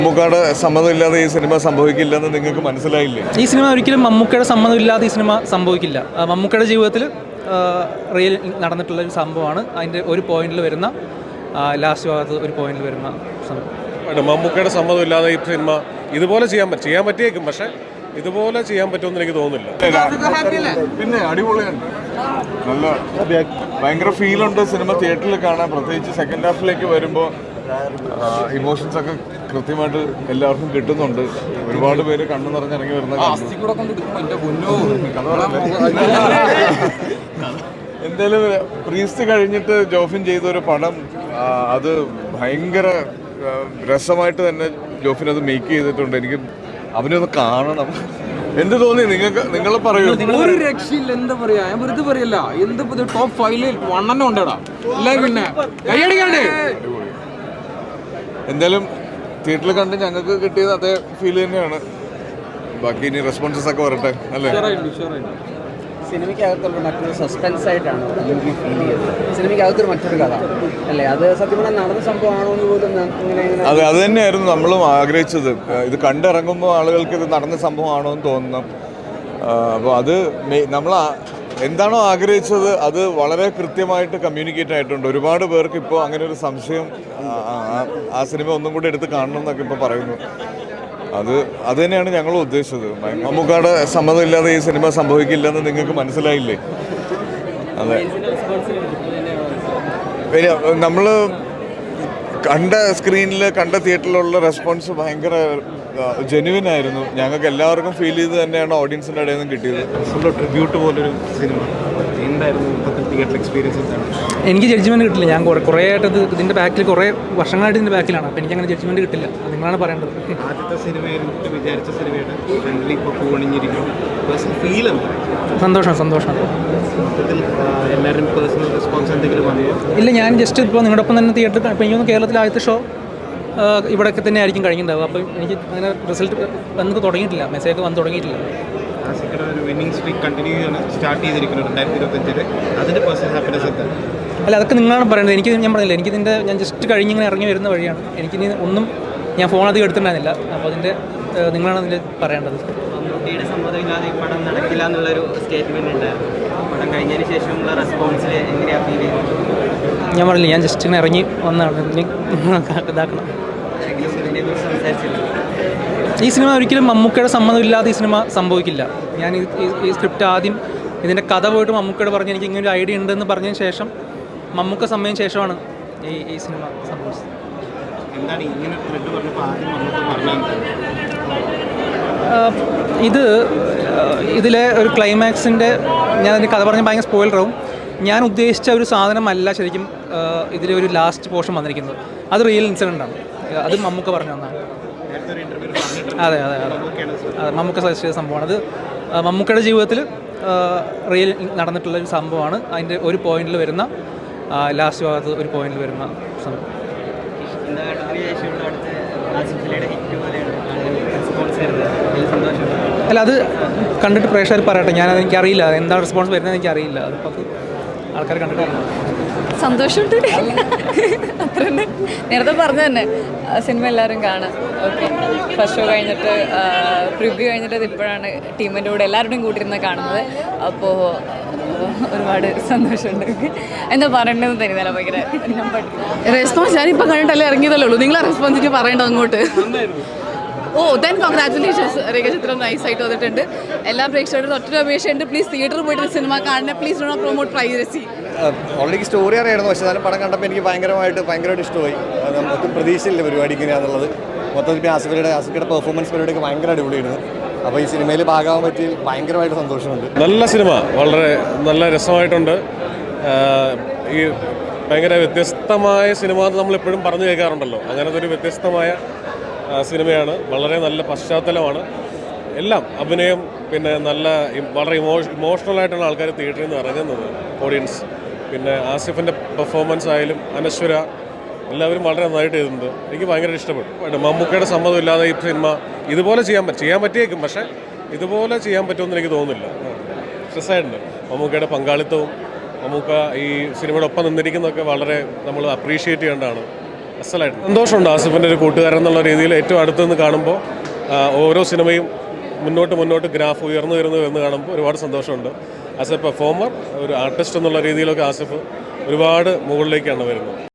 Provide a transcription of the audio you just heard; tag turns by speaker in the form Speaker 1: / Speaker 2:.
Speaker 1: മമ്മൂക്കയുടെ സമ്മതമില്ലാതെ ഈ സിനിമ സംഭവിക്കില്ലെന്ന് നിങ്ങൾക്ക് മനസ്സിലായില്ലേ?
Speaker 2: ഈ സിനിമ ഒരിക്കലും മമ്മൂക്കയുടെ സമ്മതമില്ലാതെ ഈ സിനിമ സംഭവിക്കില്ല. മമ്മൂക്കയുടെ ജീവിതത്തിൽ റിയൽ നടന്നിട്ടുള്ള ഒരു സംഭവമാണ്. അതിൻ്റെ ഒരു പോയിന്റിൽ വരുന്ന ലാസ്റ്റ് ഭാഗത്ത് ഒരു പോയിന്റിൽ വരുന്ന സംഭവം.
Speaker 3: മമ്മൂക്കയുടെ സമ്മതമില്ലാതെ ഈ സിനിമ ഇതുപോലെ ചെയ്യാൻ പറ്റിയേക്കും, പക്ഷേ ഇതുപോലെ ചെയ്യാൻ പറ്റുമെന്ന് എനിക്ക് തോന്നുന്നില്ല.
Speaker 1: പിന്നെ അടിപൊളിയാണ്, നല്ല ഭയങ്കര ഫീലുണ്ട് സിനിമ തിയേറ്ററിൽ കാണാൻ. പ്രത്യേകിച്ച് സെക്കൻഡ് ഹാഫിലേക്ക് വരുമ്പോൾ ഇമോഷൻസ് ഒക്കെ കൃത്യമായിട്ട് എല്ലാവർക്കും കിട്ടുന്നുണ്ട്. ഒരുപാട് പേര് കണ്ണു നിറഞ്ഞിറങ്ങി വരുന്ന എന്തായാലും പ്രീസ്റ്റ് കഴിഞ്ഞിട്ട് ജോഫിൻ ചെയ്തൊരു പടം, അത് ഭയങ്കര രസമായിട്ട് തന്നെ ജോഫിൻ അത് മേക്ക് ചെയ്തിട്ടുണ്ട്. എനിക്ക് അവനൊന്ന് കാണണം. എന്ത് തോന്നി നിങ്ങൾക്ക്? നിങ്ങൾ പറയൂ.
Speaker 4: ഒരു രക്ഷയില്ല, എന്താ പറയാ, ഞാൻ വെറുതെ പറയല്ല. എന്താ ടോപ്പ് 5 1 ഉണ്ടടാ. പിന്നെ കൈയടിക്കാണ്ട്
Speaker 1: എന്തായാലും തിയേറ്ററിൽ കണ്ട് ഞങ്ങൾക്ക് കിട്ടിയത് അതേ ഫീൽ തന്നെയാണ്. ബാക്കി ഇനി റെസ്പോൺസസ് ഒക്കെ വരട്ടെ അല്ലേ?
Speaker 5: സിനിമയ്ക്കകത്തുള്ള മറ്റൊരു സസ്പെൻസ് ആയിട്ടാണ് എനിക്ക് ഫീൽ ചെയ്തത്. സിനിമയ്ക്കകത്തൊരു മറ്റൊരു കഥ അല്ലേ, അത് സത്യം പറഞ്ഞാൽ നടന്ന സംഭവമാണോ എന്ന് പോലും
Speaker 1: അതെ, അത് തന്നെയായിരുന്നു നമ്മളും ആഗ്രഹിച്ചത്. ഇത് കണ്ടിറങ്ങുമ്പോൾ ആളുകൾക്ക് ഇത് നടന്ന സംഭവമാണോ എന്ന് തോന്നണം. അപ്പോൾ അത് നമ്മൾ എന്താണോ ആഗ്രഹിച്ചത് അത് വളരെ കൃത്യമായിട്ട് കമ്മ്യൂണിക്കേറ്റ് ആയിട്ടുണ്ട്. ഒരുപാട് പേർക്ക് ഇപ്പോൾ അങ്ങനെ ഒരു സംശയം, ആ സിനിമ ഒന്നും കൂടി എടുത്ത് കാണണം എന്നൊക്കെ ഇപ്പോൾ പറയുന്നു. അത് തന്നെയാണ് ഞങ്ങൾ ഉദ്ദേശിച്ചത്. മമ്മൂക്കയുടെ സമ്മതമില്ലാതെ ഈ സിനിമ സംഭവിക്കില്ലെന്ന് നിങ്ങൾക്ക് മനസ്സിലായില്ലേ? അതെ, നമ്മൾ കണ്ട സ്ക്രീനിൽ കണ്ട തിയേറ്ററിലുള്ള റെസ്പോൺസ് ഭയങ്കര ജെന്യുവിൻ ആയിരുന്നു. ഞങ്ങൾക്ക് എല്ലാവർക്കും ഫീൽ ചെയ്ത് തന്നെയാണ് ഓഡിയൻസിൻ്റെ ഇടയിൽ നിന്നും കിട്ടിയത്.
Speaker 6: ട്രിബ്യൂട്ട് പോലൊരു സിനിമ എന്തായിരുന്നു തിയേറ്റർ എക്സ്പീരിയൻസ്?
Speaker 2: എനിക്ക് ജഡ്ജ്മെൻറ്റ് കിട്ടില്ല. ഞാൻ കുറേ ആയിട്ട് ഇതിൻ്റെ ബാക്കിൽ കുറേ വർഷങ്ങളായിട്ട് ഇതിൻ്റെ ബാക്കിലാണ്. അപ്പോൾ എനിക്കങ്ങനെ ജഡ്ജ്മെൻറ്റ് കിട്ടില്ല. നിങ്ങളാണ് പറയേണ്ടത്.
Speaker 6: ആദ്യത്തെ സിനിമയായിട്ട് വിചാരിച്ച സിനിമയുടെ ഫ്രണ്ട്ലി ഇപ്പോൾ പൂവണിഞ്ഞിരിക്കും. പേഴ്സണൽ ഫീൽ
Speaker 2: സന്തോഷം.
Speaker 6: എല്ലാവരും പേഴ്സണൽ റെസ്പോൺസ് എന്തെങ്കിലും വന്നു?
Speaker 2: ഇല്ല, ഞാൻ ജസ്റ്റ് ഇപ്പോൾ നിങ്ങളുടെ ഒപ്പം തന്നെ തിയേറ്ററിൽ, ഇപ്പോൾ എനിക്കൊന്ന് കേരളത്തിലെ ആദ്യത്തെ ഷോ ഇവിടെയൊക്കെ തന്നെ ആയിരിക്കും കഴിഞ്ഞിട്ടുണ്ടാവുക. അപ്പോൾ എനിക്ക് അങ്ങനെ റിസൾട്ട് വന്നത് തുടങ്ങിയിട്ടില്ല, മെസ്സേജ് വന്ന് തുടങ്ങിയിട്ടില്ല.
Speaker 6: ആസിഫിയുടെ ഒരു വിന്നിംഗ് സ്ട്രീക്ക് കണ്ടിന്യൂ ചെയ്യാണ് സ്റ്റാർട്ട് ചെയ്തിരിക്കുന്നത് 2025. അതിൻ്റെ പേഴ്സണൽ ഹാപ്പിനെസ് എന്താണ്?
Speaker 2: അല്ല, അതൊക്കെ നിങ്ങളാണ് പറയേണ്ടത്. ഞാൻ പറഞ്ഞില്ല, ഞാൻ ജസ്റ്റ് കഴിഞ്ഞിങ്ങനെ ഇറങ്ങി വരുന്ന വഴിയാണ്. എനിക്കിനി ഒന്നും ഞാൻ ഫോൺ അധികം എടുത്തിട്ടുണ്ടായിരുന്നില്ല. അപ്പോൾ നിങ്ങളാണ് അതിൽ പറയേണ്ടത്.
Speaker 5: മമ്മൂട്ടിയുടെ സമ്മതമില്ലാതെ ഈ പടം നടക്കില്ല എന്നുള്ളൊരു സ്റ്റേറ്റ്മെൻറ്റ് ഉണ്ടായിരുന്നു. പടം കഴിഞ്ഞതിന് ശേഷമുള്ള റെസ്പോൺസിൽ എങ്ങനെയാണ് ഫീൽ ചെയ്യുന്നത്?
Speaker 2: ഞാൻ പറഞ്ഞില്ല, ഞാൻ ജസ്റ്റ് ഇങ്ങനെ ഇറങ്ങി വന്നതാണ്. ഇതാക്കണം. ഈ സിനിമ ഒരിക്കലും മമ്മൂക്കയുടെ സമ്മതമില്ലാതെ ഈ സിനിമ സംഭവിക്കില്ല. ഞാൻ ഈ സ്ക്രിപ്റ്റ് ആദ്യം ഇതിൻ്റെ കഥ പോയിട്ട് മമ്മൂക്കയോട് പറഞ്ഞ് എനിക്ക് ഇങ്ങനെ ഒരു ഐഡിയ ഉണ്ടെന്ന് പറഞ്ഞതിന് ശേഷം മമ്മൂക്ക സമ്മതിച്ച ശേഷമാണ് ഈ സിനിമ സംഭവിച്ചത്.
Speaker 6: എന്താണ് ഇങ്ങനെ ത്രെഡ് പറഞ്ഞപ്പോൾ ആദ്യം മമ്മൂക്ക പറഞ്ഞത്?
Speaker 2: ഇതിലെ ഒരു ക്ലൈമാക്സിൻ്റെ, ഞാൻ അതിൻ്റെ കഥ പറഞ്ഞ് ഭയങ്കര സ്പോയിലറാവും. ഞാൻ ഉദ്ദേശിച്ച ഒരു സാധനമല്ല ശരിക്കും ഇതിലെ ഒരു ലാസ്റ്റ് പോർഷൻ വന്നിരിക്കുന്നത്. അത് റിയൽ ഇൻസിഡൻ്റാണ്. അത് മമ്മൂക്ക പറഞ്ഞു തന്നാണ്. അതെ, മമ്മൂക്ക സജസ്റ്റ് ചെയ്ത സംഭവമാണ്. അത് മമ്മൂക്കയുടെ ജീവിതത്തിൽ റിയൽ നടന്നിട്ടുള്ള ഒരു സംഭവമാണ്. അതിൻ്റെ ഒരു പോയിന്റിൽ വരുന്ന ലാസ്റ്റ് ഭാഗത്ത് ഒരു പോയിന്റിൽ വരുന്ന സംഭവം. അല്ല, അത് കണ്ടിട്ട് പ്രേക്ഷകർ പറയട്ടെ. എനിക്കറിയില്ല എന്താണ് റെസ്പോൺസ് വരുന്നത്, എനിക്കറിയില്ല. അതിപ്പോൾ ആൾക്കാർ കണ്ടിട്ട്
Speaker 7: സന്തോഷമുണ്ട്, അത്ര തന്നെ. നേരത്തെ പറഞ്ഞു തന്നെ സിനിമ എല്ലാവരും കാണാം. ഓക്കെ, ഫസ്റ്റ് ഷോ കഴിഞ്ഞിട്ട് പ്രിവ്യൂ കഴിഞ്ഞിട്ട് ഇപ്പോഴാണ് ടീമിൻ്റെ കൂടെ എല്ലാവരുടെയും കൂട്ടിരുന്ന് കാണുന്നത്. അപ്പോൾ ഒരുപാട് സന്തോഷമുണ്ട്. എന്താ പറയേണ്ടതെന്ന് തരുന്നില്ല. ഭയങ്കര റെസ്പോൺസ് ഞാനിപ്പോൾ കണ്ടിട്ടല്ലേ ഇറങ്ങിയതല്ലേ ഉള്ളൂ. നിങ്ങളെ റെസ്പോൺസിറ്റ് പറയേണ്ടത് അങ്ങോട്ട്. Then congratulations. രേഖചിത്രം നൈസായിട്ട് വന്നിട്ടുണ്ട്. എല്ലാ പ്രേക്ഷകരുടെ ഒറ്റ അപേക്ഷയുണ്ട്, പ്ലീസ് തിയേറ്ററിൽ പോയിട്ട് സിനിമ കാണണേ. Please do not promote privacy.
Speaker 8: Already story അറിയായിരുന്നു, പക്ഷേ എന്നാലും പടം കണ്ടപ്പോൾ എനിക്ക് ഭയങ്കരമായിട്ട് ഇഷ്ടമായി. നമുക്ക് പ്രതീക്ഷയില്ല പരിപാടി ഇങ്ങനെയാണെന്നുള്ളത്. മൊത്തത്തിൽ ആസിഫിയുടെ പെർഫോമൻസ് പരിപാടിയൊക്കെ ഭയങ്കര അടിപൊളിയായിരുന്നു. അപ്പോൾ ഈ സിനിമയിൽ ഭാഗമാകാൻ പറ്റി ഭയങ്കരമായിട്ട് സന്തോഷമുണ്ട്.
Speaker 3: നല്ല സിനിമ, വളരെ നല്ല രസമായിട്ടുണ്ട്. ഈ ഭയങ്കര വ്യത്യസ്തമായ സിനിമ എന്ന് നമ്മളെപ്പോഴും പറഞ്ഞു കേൾക്കാറുണ്ടല്ലോ. അങ്ങനത്തെ ഒരു വ്യത്യസ്തമായ സിനിമയാണ്. വളരെ നല്ല പശ്ചാത്തലമാണ്. എല്ലാം അഭിനയം, പിന്നെ വളരെ ഇമോഷണലായിട്ടാണ് ആൾക്കാർ തിയേറ്ററിൽ നിന്ന് ഇറങ്ങുന്നത്, ഓഡിയൻസ്. പിന്നെ ആസിഫിൻ്റെ പെർഫോമൻസ് ആയാലും അനശ്വര, എല്ലാവരും വളരെ നന്നായിട്ട് ചെയ്തിട്ടുണ്ട്. എനിക്ക് ഭയങ്കര ഇഷ്ടപ്പെട്ടു. മമ്മൂക്കയുടെ സമ്മതമില്ലാതെ ഈ സിനിമ ഇതുപോലെ ചെയ്യാൻ പറ്റിയേക്കും, പക്ഷേ ഇതുപോലെ ചെയ്യാൻ പറ്റുമെന്ന് എനിക്ക് തോന്നുന്നില്ല. സ്ട്രെസ്സായിട്ടുണ്ട്. മമ്മൂക്കയുടെ പങ്കാളിത്തവും മമ്മൂക്ക ഈ സിനിമയുടെ ഒപ്പം നിന്നിരിക്കുന്നതൊക്കെ വളരെ നമ്മൾ അപ്രീഷിയേറ്റ് ചെയ്യേണ്ടതാണ്. അസലായിട്ട് സന്തോഷമുണ്ട്. ആസിഫിൻ്റെ ഒരു കൂട്ടുകാരൻ എന്നുള്ള രീതിയിൽ ഏറ്റവും അടുത്ത് നിന്ന് കാണുമ്പോൾ ഓരോ സിനിമയും മുന്നോട്ട് ഗ്രാഫ് ഉയർന്നു എന്ന് കാണുമ്പോൾ ഒരുപാട് സന്തോഷമുണ്ട്. ആസ് എ പെർഫോമർ, ഒരു ആർട്ടിസ്റ്റ് എന്നുള്ള രീതിയിലൊക്കെ ആസിഫ് ഒരുപാട് മുകളിലേക്കാണ് വരുന്നത്.